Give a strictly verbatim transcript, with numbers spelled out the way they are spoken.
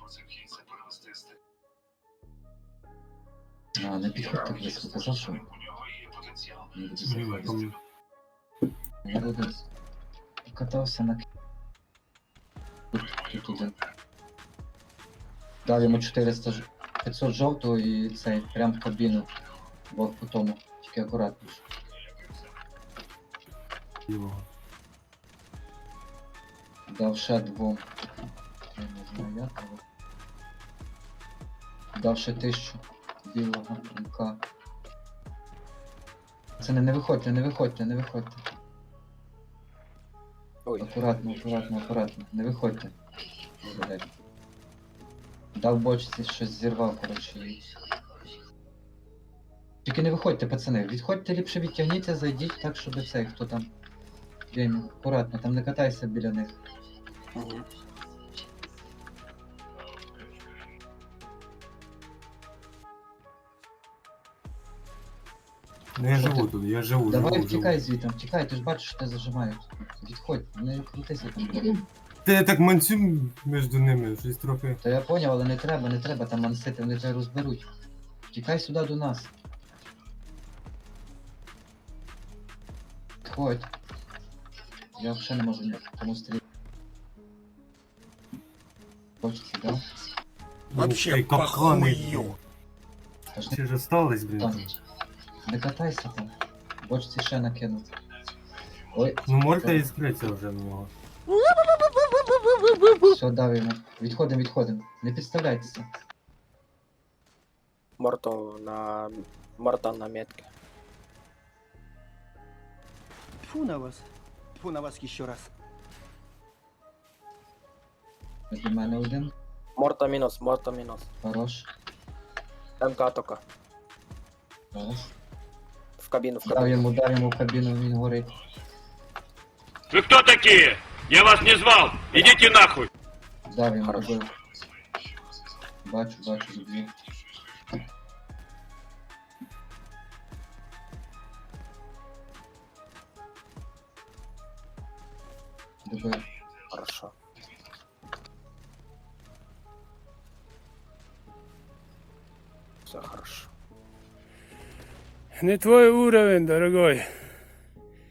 А, не підходьте близько, казав, що не буде заходити. Я буду катався на к- тут, тут один. Дав йому чотириста ж- п'ятсот жовтого і цей прям в кабіну. Бо по тому, тільки акуратніше. Білого. Дав ще двом. Я не знаю як, але. Дав ще тисячу білого МК. Це не, не виходьте, не виходьте, не виходьте. Ой, Акуратно, акуратно, акуратно. Не виходьте. Блядь. Дав бочці, щось зірвав, коротше. і- Тільки не виходьте, пацани. Відходьте ліпше, відтягніться, зайдіть так, щоб цей, хто там. Блін, акуратно, там не катайся біля них. угу. Ну я Що живу ти? тут, я живу, Давай живу, втікай живу. звідти, втікай, ти ж бачиш, що тебе зажимають. Відходь, не крутися там. Та я так манцю між ними, щось трохи. Та я поняв, але не треба, не треба там мансити, вони тебе розберуть. Втікай сюди до нас. Відходь. Я взагалі не можу нікому стріляти. Хочеться, да? Вообще капкани. Та ж не, Ще ж остались, блін. там. там. Не катайся там. Бочці ще накинуть. Ой, Ну морда іскриться вже на нього. все, дав йому. Відходимо, відходимо. Не підставляйтеся. Морто на... Морта на метке. Тьфу на вас. Тьфу на вас еще раз. До мене один. Морта минус, Морта минус. Хорош. МК только. Раз. В кабину, в Дав кабину. йому, дав йому в кабіну, він горить. Вы кто такие? Я вас не звал. Идите нахуй. Дав йому, Хорошо. добив. Бачу, бачу, добив. Добив. Хорошо. Все хорошо. Не твой уровень, дорогой.